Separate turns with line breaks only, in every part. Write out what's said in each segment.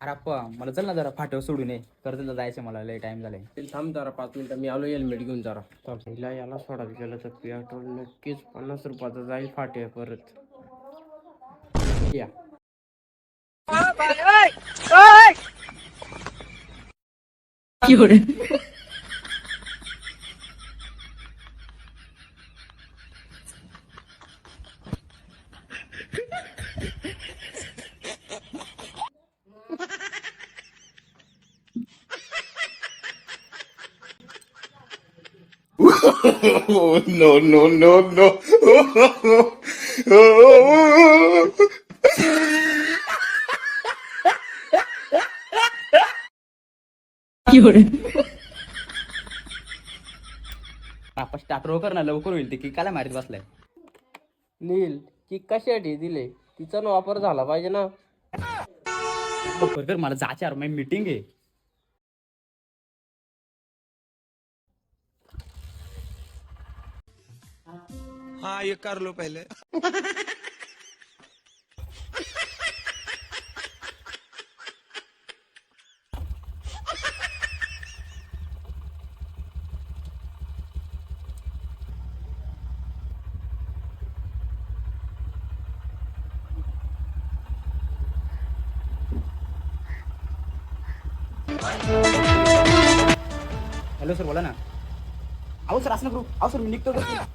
अरे अप्पा मला चल ना जरा फाट्यावर सोडून ये कर्जतला जायचं मला लय टाइम झालाय.
थांब जरा 5 मिनिटं मी आलो हेल्मेट घेऊन जरा. पहिला याला सोडायला गेलं तर पेट्रोल नक्कीच 50 रुपयाचं जाईल फाटे परत. या
Oh, no, no, no, no.
आपण स्टार्टर कर ना लवकर होईल ते की काला मारीत बसलाय.
नील की कशासाठी दिले तिचा वापर झाला पाहिजे ना.
लवकर कर मला जायचं यार माझी मीटिंग आहे.
हाँ ये कर लो पहले.
हॅलो सर बोला ना. अहो सर असं करू. अहो सर मी निघतो.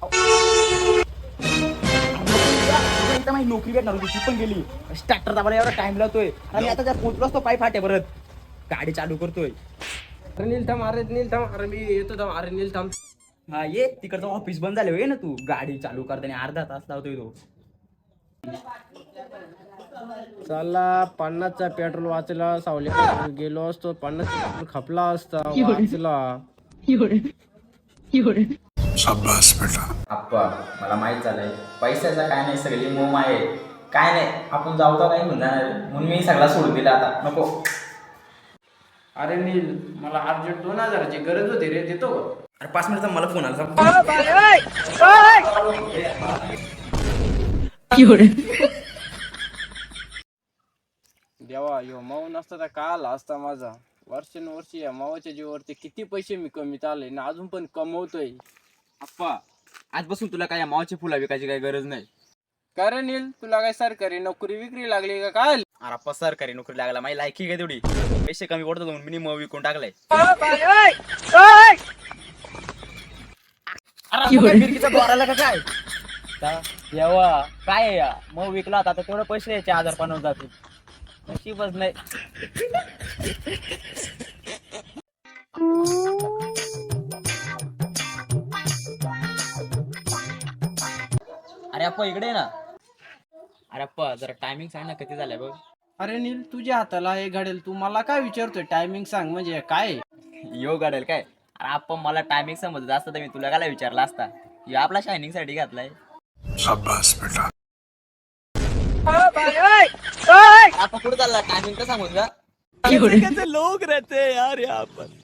माझी नोकरी भेटणार होती ती पण गेली. स्टार्टर दाबायला एवढा टाइम लावतोय आणि आता जर पोहोचलोच तो पाय फाटे परत गाडी चालू करतोय.
अरे नील थांब, अरे नील थांब, अरे मी येतो थांब, अरे नील थांब.
हा ये तिकडचं ऑफिस बंद झालं होय ना तू गाडी चालू करताना अर्धा तास लावतोय तो.
चला 50चा पेट्रोल वाचला. सावली गेलो असतो 50 पेट्रोल खपला असता वाचला.
शाबाश बेटा.
आप्पा मला माहित झालंय पैशाचा काय नाही सगळी मोम आहे. काय नाही आपण जाऊ का काही म्हणून जाणार म्हणून मी सगळा सोडून दिला आता नको.
अरे नील मला अर्जंट 2000ची गरज होती रे, देतो का?
अरे 5 मिनिटचा मला फोन आला.
देवा यो माऊ नसता तर का आला असता माझा. वर्षानुवर्षी या मावाच्या जीवावरती किती पैसे मी कमीत आले ना अजून पण कमवतोय.
आप्पा आजपासून तुला काय मावाची फुला विकायची काही गरज नाही.
का रे नील तुला काय सरकारी नोकरी विक्री लागली का काय?
अरे आप्पा सरकारी नोकरी लागला माझी लायकी काय तेवढी पैसे कमी पडतात म्हणून मी मग विकून टाकलाय. द्वाराला का काय येवा काय आहे या मग विकला आता तेवढे पैसे द्यायचे 1050 जातील नशीबच नाही. अरे अप्पा इकडे ये ना. अरे अप्पा जरा टायमिंग सांग ना किती झालंय बघ.
अरे नील तुझ्या हाताला हे घडेल तू मला काय विचारतोय टायमिंग सांग म्हणजे काय?
यो गाडेल काय. अरे अप्पा मला टायमिंग समजत असतं तर मी तुला काय विचारला असता. यो आपला शायनिंग साठी घातलाय.
शाबाश बेटा.
आपण कुठे चालला टायमिंग तर सांगून का. लोक रहते यार यहाँ पर.